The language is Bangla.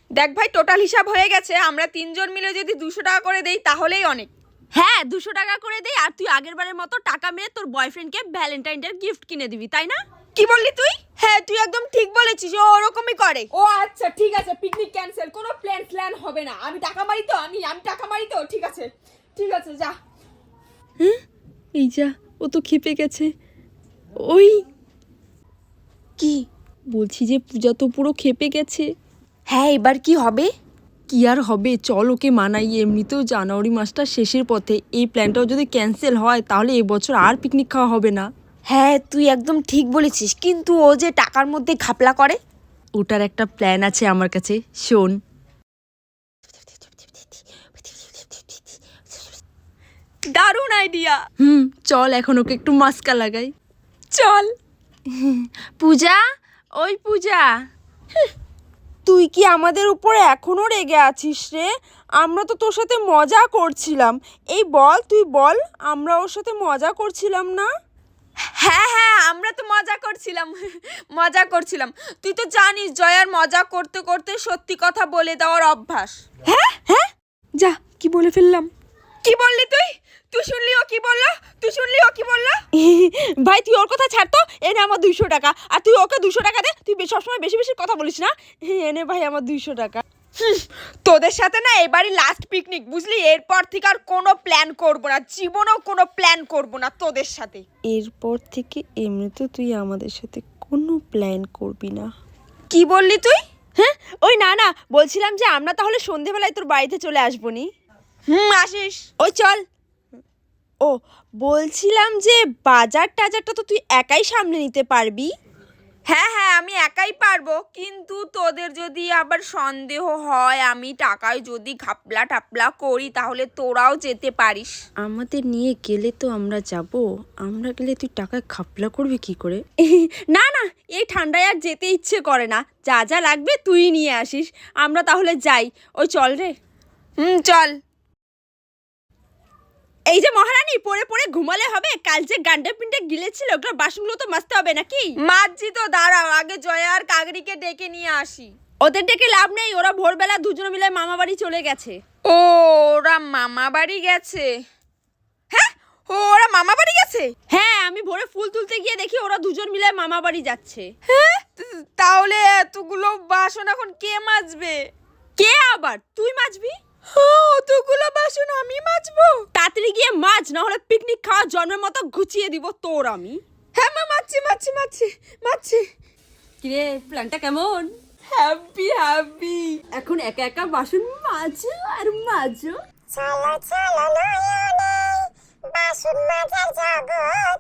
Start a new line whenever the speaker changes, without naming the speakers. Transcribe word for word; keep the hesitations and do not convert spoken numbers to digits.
দেখ ভাই, টোটাল হিসাব হয়ে গেছে। আমরা তিনজন মিলে যদি দুশো টাকা করে দেই তাহলেই অনেক।
হ্যাঁ, দুশো টাকা করে দেই, আর তুই আগের বারের মতো টাকা মেরে তোর বয়ফ্রেন্ডকে ভ্যালেন্টাইন ডে গিফট কিনে দিবি, তাই না?
কি বললি তুই? হ্যাঁ, তুই একদম ঠিক বলেছিস, ও ওরকমই করে।
ও আচ্ছা ঠিক আছে, পিকনিক ক্যান্সেল, কোনো প্ল্যান প্ল্যান হবে না। আমি টাকা মারি তো, আমি আমি টাকা মারি তো। ঠিক আছে ঠিক আছে, যা।
হ্যাঁ, এই যা, ও তো খেপে গেছে। ওই
কি
বলছি যে পূজা তো পুরো খেপে গেছে।
হ্যাঁ, এবার কি হবে?
কি আর হবে, চল ওকে মানাই। এমনিতেও জানুয়ারি মাসটা শেষের পথে, এই প্ল্যানটাও যদি ক্যান্সেল হয় তাহলে এবছর আর পিকনিক খাওয়া হবে না।
হ্যাঁ, তুই একদম ঠিক বলেছিস, কিন্তু ও যে টাকার মধ্যে ঘাপলা করে।
ওটার একটা প্ল্যান আছে আমার কাছে, শোন।
দারুণ আইডিয়া।
হুম, চল এখন ওকে একটু মাস্কা লাগাই।
চল।
পূজা, ওই পূজা,
তুই কি আমাদের উপরে এখনো রেগে আছিস রে? আমরা তো তোর সাথে মজা করছিলাম। এই বল, তুই বল, আমরা ওর সাথে মজা করছিলাম না? হ্যাঁ হ্যাঁ, আমরা তো মজা করছিলাম মজা করছিলাম। তুই তো জানিস জয়ার মজা করতে করতে সত্যি কথা বলে দেওয়ার অভ্যাস। হ্যাঁ হ্যাঁ,
যা, কি বলে ফেললাম?
কি বললি তুই? তুই শুনলি ও কি বললো? তুই শুনলি ও কি বললো? ভাই তুই ওর কথা ছাড় তো। এনে আমার দুইশো টাকা, আর তুই ওকে দুশো টাকা দে। তুই সবসময় বেশি বেশি কথা বলিস না। এনে ভাই আমার দুইশো টাকা। তোদের সাথে না এবারই লাস্ট পিকনিক, বুঝলি? এরপর থেকে আর কোনো প্ল্যান করব না, জীবনেও কোনো প্ল্যান করব না তোদের সাথে।
এরপর থেকে এমনিতে তুই আমাদের সাথে কোনো প্ল্যান করবি না।
কি বললি তুই?
হ্যাঁ, ওই না না, বলছিলাম যে আমরা তাহলে সন্ধেবেলায় তোর বাড়িতে চলে আসবো নি।
হুম, আসিস।
ওই চল।
ও, বলছিলাম যে বাজার টাজারটা তো তুই একাই সামলে নিতে পারবি? হ্যাঁ হ্যাঁ, আমি একাই পারবো, কিন্তু তোদের যদি আবার সন্দেহ হয় আমি টাকায় যদি ঘাপলা টাপলা করি তাহলে তোরাও যেতে পারিস।
আমাদের নিয়ে গেলে তো আমরা যাব, আমরা গেলে তুই টাকায় খাপলা করবি কি করে?
না না, এই ঠান্ডায় আর যেতে ইচ্ছে করে না। যা যা লাগবে তুই নিয়ে আসিস। আমরা তাহলে যাই। ওই চল রে। হুম, চল।
এই যে মহারানী, পড়ে পড়ে ঘুমালে হবে? কাল যে গান্ডে পিন্ডে গিলেছিল, ওগুলো বাসনগুলো তো মাজতে হবে নাকি?
মাঝি তো, দাঁড়াও, আগে জয়া আর কাগরিকে ডেকে নিয়ে আসি।
ওদের ডেকে লাভ নেই, ওরা ভোরবেলা দুজনে মিলে মামা বাড়ি চলে গেছে।
ও, ওরা মামা বাড়ি গেছে? হ্যাঁ, ও ওরা মামা বাড়ি গেছে?
হ্যাঁ, আমি ভোরে ফুল তুলতে গিয়ে দেখি ওরা দুজন মিলে মামা বাড়ি যাচ্ছে।
হ্যাঁ, তাহলে এতগুলো বাসন এখন কে মাজবে?
কে আবার? তুই মাজবি।
অতগুলো বাসন আমি মাজবো?
তাড়াতাড়ি গিয়ে মাছ, না হলে পিকনিক খাওয়া জন্মের মতো ঘুচিয়ে দিব তোর আমি।
হ্যাঁ মা, মাছি মাছি মাছি মাছি।
কিরে, প্ল্যানটা কেমন?
Happy happy.
এখন একা একা বাসন মাজো আর মাজো।
চলো চলো নয়নে বাসন মাজার জগতে